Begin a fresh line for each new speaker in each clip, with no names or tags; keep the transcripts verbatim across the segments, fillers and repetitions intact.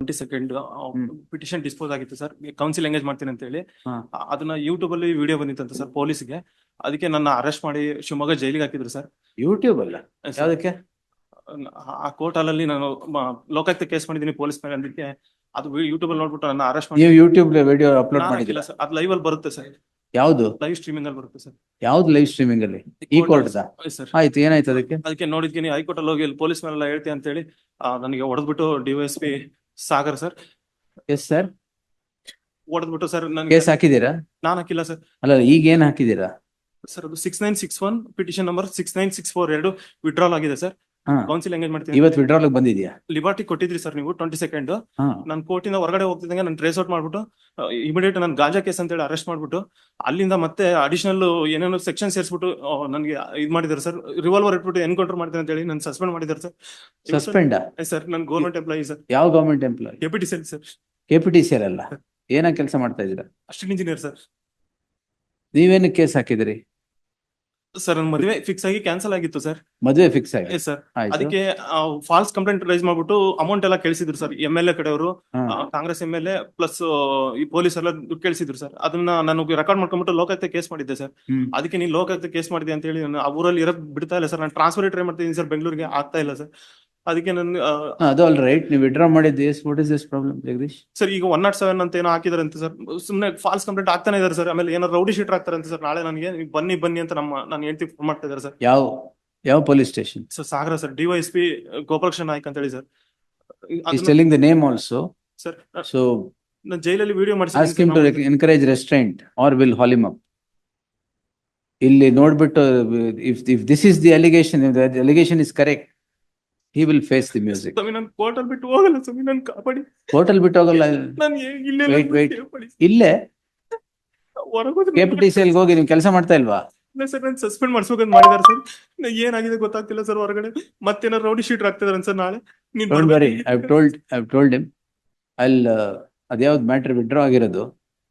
Twenty second
hmm.
Petition dispose ಆಗಿತ್ತು sir, counsel engage ಮಾಡ್ತೀನಿ ಅಂತ ಹೇಳಿ.
ಹಾ.
ಆ- ಅದನ್ನ ಯೂಟ್ಯೂಬ್ ಅಲ್ಲಿ ವಿಡಿಯೋ ಬಂದಿತ್ತಂತ ಸರ್ ಪೊಲೀಸ್ಗೆ. ಅದಕ್ಕೆ ನನ್ನ ಅರೆಸ್ಟ್ ಮಾಡಿ ಶಿವಮೊಗ್ಗ ಜೈಲಿಗೆ ಹಾಕಿದ್ರು ಸರ್.
ಯೂಟ್ಯೂಬ್ ಅಲ್ಲ
ಸರ್,
ಯಾವ್ದಕ್ಕೆ?
ಆ ಕೋರ್ಟ್ ಅಲ್ಲಿ ನಾನು ಮ- ಲೋಕಾಯುಕ್ತ ಕೇಸ್ ಮಾಡಿದ್ದೀನಿ ಪೊಲೀಸ್ ಮೇಲೆ. ಅದಕ್ಕೆ ಅದು ಯೂಟ್ಯೂಬ್ ಅಲ್ಲಿ ನೋಡ್ಬಿಟ್ಟು ನನ್ನ ಅರೆಸ್ಟ್ ಮಾಡಿ.
ನೀವು ಯೂಟ್ಯೂಬ್ ವಿಡಿಯೋ ಅಪ್ಲೋಡ್
ನಾನು
ಮಾಡಿದಿಲ್ಲ?
ಹಾಕಿಲ್ಲ ಸರ್, ಅದು ಲೈವ್ ಅಲ್ಲಿ ಬರುತ್ತೆ ಸರ್,
ಯಾವ್ದು
ಲೈವ್ ಸ್ಟ್ರೀಮಿಂಗ್ ಅಲ್ಲಿ ಬರುತ್ತೆ ಸರ್.
ಯಾವ್ದು ಲೈವ್ ಸ್ಟ್ರೀಮಿಂಗ್ ಅಲ್ಲಿ? ಈ ಕೋರ್ಟ್
ಸರ್
ಆಯ್ತು, ಏನಾಯ್ತು ಅದಕ್ಕೆ?
ಅದಕ್ಕೆ ನೋಡಿದ್ತೀನಿ ಹೈಕೋರ್ಟ್ ಅಲ್ಲಿ ಹೋಗಿ ಪೊಲೀಸ್ ಮೇಲೆಲ್ಲ ಹೇಳ್ತೀನಿ ಅಂತ ಹೇಳಿ ನನಗೆ ಹೊಡೆದ್ಬಿಟ್ಟು DYSP Sagar sir
yes sir,
ಹೊಡೆದ್ಬಿಟ್ಟು ಸರ್ ನನಗೆ.
ಕೇಸ್ ಹಾಕಿದೀರಾ?
ನಾನು ಹಾಕಿಲ್ಲ ಸರ್.
ಅಲ್ಲ, ಈಗ ಏನ್ ಹಾಕಿದೀರಾ?
ಸರ್ ಅದು six nine six one petition number six nine six four ಎರಡು ವಿಡ್ರಾಲ್ ಆಗಿದೆ ಸರ್.
ಹಾ,
ಕೌನ್ಸಿಲ್ ಎಂಗೇಜ್ ಮಾಡ್ತೀನಿ.
ಇವತ್ತು ವಿಡ್ರಾಲ್ ಬಂದಿದ್ಯಾ?
ಲಿಬರ್ಟಿ ಕೊಟ್ಟಿದ್ರಿ ಸರ್ ನೀವು ಟ್ವೆಂಟಿ ಸೆಕೆಂಡ್.
ಹಾ,
ನಾನು ಕೋರ್ಟಿಂದ ಹೊರಗಡೆ ಹೋಗ್ತಿದ್ದಂಗೆ ನಾನು ಟ್ರೇಸ್ ಔಟ್ ಮಾಡ್ಬಿಟ್ಟು ಇಮಿಡಿಯೇಟ್ ನಾನು ಗಾಂಜಾ ಕೇಸ್ ಅಂತ ಹೇಳಿ ಅರೆಸ್ಟ್ ಮಾಡ್ಬಿಟ್ಟು ಅಲ್ಲಿಂದ ಮತ್ತೆ ಅಡಿಷನಲ್ ಏನೇನೋ ಸೆಕ್ಷನ್ ಸೇರಿಸ್ಬಿಟ್ಟು ನನಗೆ ಇದು ಮಾಡಿದ್ದಾರೆ ಸರ್. ರಿವಾಲ್ವರ್ ಇಟ್ಬಿಟ್ಟು ಎನ್ಕೌಂಟರ್ ಮಾಡ್ತೀನಿ ಅಂತ ಹೇಳಿ ನಾನು ಸಸ್ಪೆಂಡ್ ಮಾಡಿದ್ದಾರೆ ಸರ್.
ಸಸ್ಪೆಂಡ್
ಸರ್ ನಾನು ಗೌರ್ಮೆಂಟ್ ಎಂಪ್ಲಾಯಿ ಸರ್.
ಯಾವ government employee?
Deputy cell sir.
K P T C ಅಲ್ಲ, ಏನ ಕೆಲಸ ಮಾಡ್ತಾ ಇದೀರಾ?
Assistant engineer sir.
ನೀವೇನು ಕೇಸ್ ಹಾಕಿದಿರಿ?
ಸರ್ ನನ್ನ ಮದುವೆ ಫಿಕ್ಸ್ ಆಗಿ ಕ್ಯಾನ್ಸಲ್ ಆಗಿತ್ತು ಸರ್.
ಮದುವೆ ಫಿಕ್ಸ್ ಆಗಿ?
Yes sir.
ಆಯ್ತು.
ಅದಕ್ಕೆ ಫಾಲ್ಸ್ ಕಂಪ್ಲೇಂಟ್ ರೈಸ್ ಮಾಡ್ಬಿಟ್ಟು ಅಮೌಂಟ್ ಎಲ್ಲ ಕೇಳಿಸಿದ್ರು ಸರ್. ಎಂ ಎಲ್ ಎ ಕಡೆಯವರು,
ಹಾ.
Congress M L A plus ಈ ಪೊಲೀಸ್ ಎಲ್ಲ ದುಡ್ಡು ಕೇಳಿಸಿದ್ರು ಸರ್. ಅದನ್ನ ನಾನು ರೆಕಾರ್ಡ್ ಮಾಡ್ಕೊಂಡ್ಬಿಟ್ಟು ಲೋಕಾಯುಕ್ತ ಕೇಸ್ ಮಾಡಿದ್ದೆ ಸರ್.
ಹ್ಮ್.
ಅದಕ್ಕೆ ನೀನು ಲೋಕಾಯುಕ್ತ ಕೇಸ್ ಮಾಡಿದೆ ಅಂತ ಹೇಳಿ ನಾನು ಆ ಊರಲ್ಲಿ ಇರೋದ್ ಬಿಡ್ತಾ ಇಲ್ಲ ಸರ್. ನಾನು ಟ್ರಾನ್ಸ್ಫರ್ ಟ್ರೈ ಮಾಡ್ತಿದ್ದೀನಿ ಸರ್, ಬೆಂಗಳೂರಿಗೆ ಆಗ್ತಾ ಇಲ್ಲ ಸರ್. ಅದಕ್ಕೆ ನಾನು
ಹಾ, ಅದು ಆಲ್ ರೈಟ್. ನೀವು ವಿಡ್ರಾ ಮಾಡಿದ್ದು what is this problem Jagadish?
Sir ಈಗ ಒನ್ ನಾಟ್ ಸೆವೆನ್ ಅಂತ ಏನೋ ಹಾಕಿದಾರೆ ಅಂತ ಸರ್. ಸುಮ್ಮನೆ ಫಾಲ್ಸ್ ಕಂಪ್ಲೇಂಟ್ ಆಗ್ತಾನೆ ಇದಾರೆ ಸರ್. ಆಮೇಲೆ ಏನೋ ರೌಡಿ ಶೀಟರ್ ಆಗ್ತಾರೆ ಅಂತ ಸರ್. ನಾಳೆ ನನಗೆ ನೀವು ಬನ್ನಿ ಬನ್ನಿ ಅಂತ ನಮ್ಮ ನಾನು ಹೇಳ್ತಿ ಫೋನ್ ಮಾಡ್ತಾ ಇದ್ದಾರೆ ಸರ್.
ಯಾವ ಯಾವ police station?
Sir Sagara sir, DYSP Gopalakrishna Naik ಅಂತ ಹೇಳಿ sir.
He's telling the name also.
Sir
So
ನಾನು ಜೈಲಲ್ಲಿ video
ask him to encourage restraint or will haul him up. ಇಲ್ಲಿ ನೋಡ್ಬಿಟ್ಟು if if this is the allegation, if the allegation is correct, he will face the music.
ಸ್ವಾಮಿ ನಾನು court ಅಲ್ಲಿ ಬಿಟ್ಟು ಹೋಗಲ್ಲ ಸ್ವಾಮಿ, ನಾನು ಕಾಪಾಡಿ.
ಕೋರ್ಟ್ ಅಲ್ಲಿ ಬಿಟ್ಟು ಹೋಗಲ್ಲ.
ನಾನು ಇಲ್ಲೇ
Wait, wait. ಇಲ್ಲೇ ಕೆ ಪಿ ಟಿ ಸಿ ಅಲ್ಲಿ ಹೋಗಿ ನೀವು ಕೆಲಸ ಮಾಡ್ತಾ ಇಲ್ವಾ?
ಸರ್ ನಾನು ಸಸ್ಪೆಂಡ್ ಮಾಡಿಸ್ಬೇಕಂತ ಮಾಡಿದಾರೆ ಸರ್. ಏನಾಗಿದೆ ಗೊತ್ತಾಗ್ತಿಲ್ಲ ಸರ್. ಹೊರಗಡೆ ಮತ್ತೇನಾರು ರೌಡಿ ಶೀಟರ್ ಆಗ್ತಿದಾರೆ ಸರ್. ನಾಳೆ ನೀನ್
Don't worry, I've told I've told him. I'll uh, ಅದ್ಯಾವ್ದು ಮ್ಯಾಟ್ರ್ ವಿಡ್ರಾ ಆಗಿರೋದು?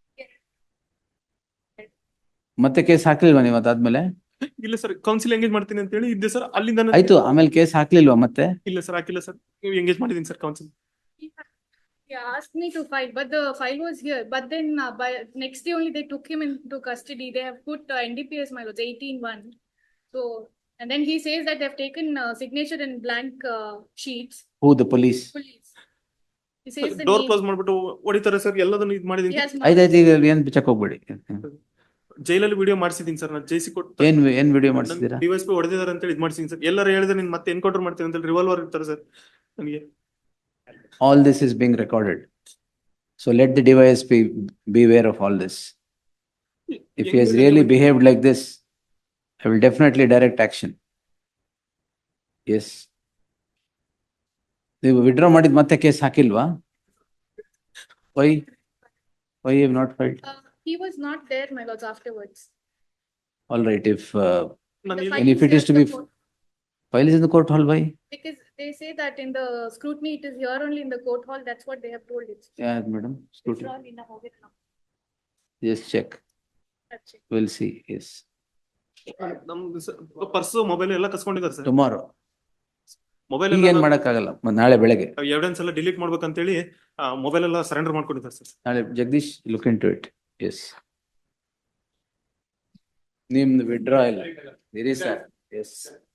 ಮತ್ತೆ ಕೇಸ್ ಹಾಕ್ಲಿಲ್ವಾ ನೀವು ಅದಾದ್ಮೇಲೆ?
ಇಲ್ಲ ಸರ್, ಕೌನ್ಸಿಲ್ ಎಂಗೇಜ್ ಮಾಡ್ತೀನಿ ಅಂತ ಹೇಳಿ ಇದ್ದೆ ಸರ್. ಅಲ್ಲಿಂದ ನಾನು-
ಆಯ್ತು, ಆಮೇಲೆ ಕೇಸ್ ಹಾಕ್ಲಿಲ್ವಾ ಮತ್ತೆ?
ಇಲ್ಲ ಸರ್, ಹಾಕಿಲ್ಲ ಸರ್. ನೀವು ಎಂಗೇಜ್ ಮಾಡಿದೀನಿ sir counsel.
He asked me to file, but the file was here. But then uh, by next day only they took him into custody. They have put uh, N D P S, my lords, eighteen one. So, and then he says that they have taken uh, signature in blank uh, sheets.
Who, the police?
Police. He says the
door
name.
Close ಮಾಡ್ಬಿಟ್ಟು ಹೊಡಿತಾರೆ sir. ಎಲ್ಲದನ್ನು ಇದು ಮಾಡಿದೀನಿ.
He has
ಆಯ್ತು ಆಯ್ತು, ಈಗ ಏನ್ check ಹೋಗ್ಬೇಡಿ.
ಜೈಲಲ್ಲಿ ವಿಡಿಯೋ ಮಾಡಿಸಿದೀನಿ ಸರ್. ನಾನು ಜೈಸಿ ಕೊಟ್ಟು
ಏನ್ ಏನ್ ವಿಡಿಯೋ ಮಾಡಿಸಿದೀರಾ?
ಡಿವೈಸ್ ಪಿ ಹೊಡೆದಿದ್ದಾರೆ ಅಂತ ಹೇಳಿ ಇದು ಮಾಡಿಸಿದೀನಿ ಸರ್. ಎಲ್ಲರೂ ಹೇಳಿದ್ರೆ ನೀನ್ ಮತ್ತೆ ಎನ್ಕೌಂಟರ್ ಮಾಡ್ತೀನಿ ಅಂತ ಹೇಳಿ ರಿವಾಲ್ವರ್ ಇರ್ತಾರೆ ಸರ್ ನನಗೆ.
All this is being recorded. So let the device be beware of all this. If he has really behaved like this, I will definitely direct action. Yes. ನೀವು ವಿಡ್ರಾ ಮಾಡಿದ ಮತ್ತೆ ಕೇಸ್ ಹಾಕಿಲ್ವಾ? Why? Why you have not filed?
Uh, he was not there, my lords, afterwards.
All right, if uh,
ನಾನು
The
ಇಲ್ಲ-
file
And if
is
it is
here
to
in
be
the court.
file is in the court hall, why?
Because they say that in the scrutiny it is here only in the court hall. That's what they have told it.
Yeah, madam.
It's
Scrutiny.
all in the hall.
Just check.
That's it.
We'll see. Yes.
ನಮ್ದು purse mobile ಎಲ್ಲ ಕಸ್ಕೊಂಡಿದ್ದಾರೆ sir.
Tomorrow.
Mobile
ಈಗ ಏನ್ ಮಾಡಕ್ಕಾಗಲ್ಲ. ಮ- ನಾಳೆ ಬೆಳಗ್ಗೆ.
Evidence ಎಲ್ಲ ಡಿಲೀಟ್ ಮಾಡ್ಬೇಕಂತೇಳಿ ಮೊಬೈಲ್ ಎಲ್ಲ ಸರೆಂಡರ್ ಮಾಡ್ಕೊಂಡಿದ್ದಾರೆ ಸರ್.
ನಾಳೆ Jagadish look into it. Yes. ನಿಮ್ದು ವಿಡ್ರಾ ಇಲ್ಲ ಇರಿ ಸರ್. ಎಸ್.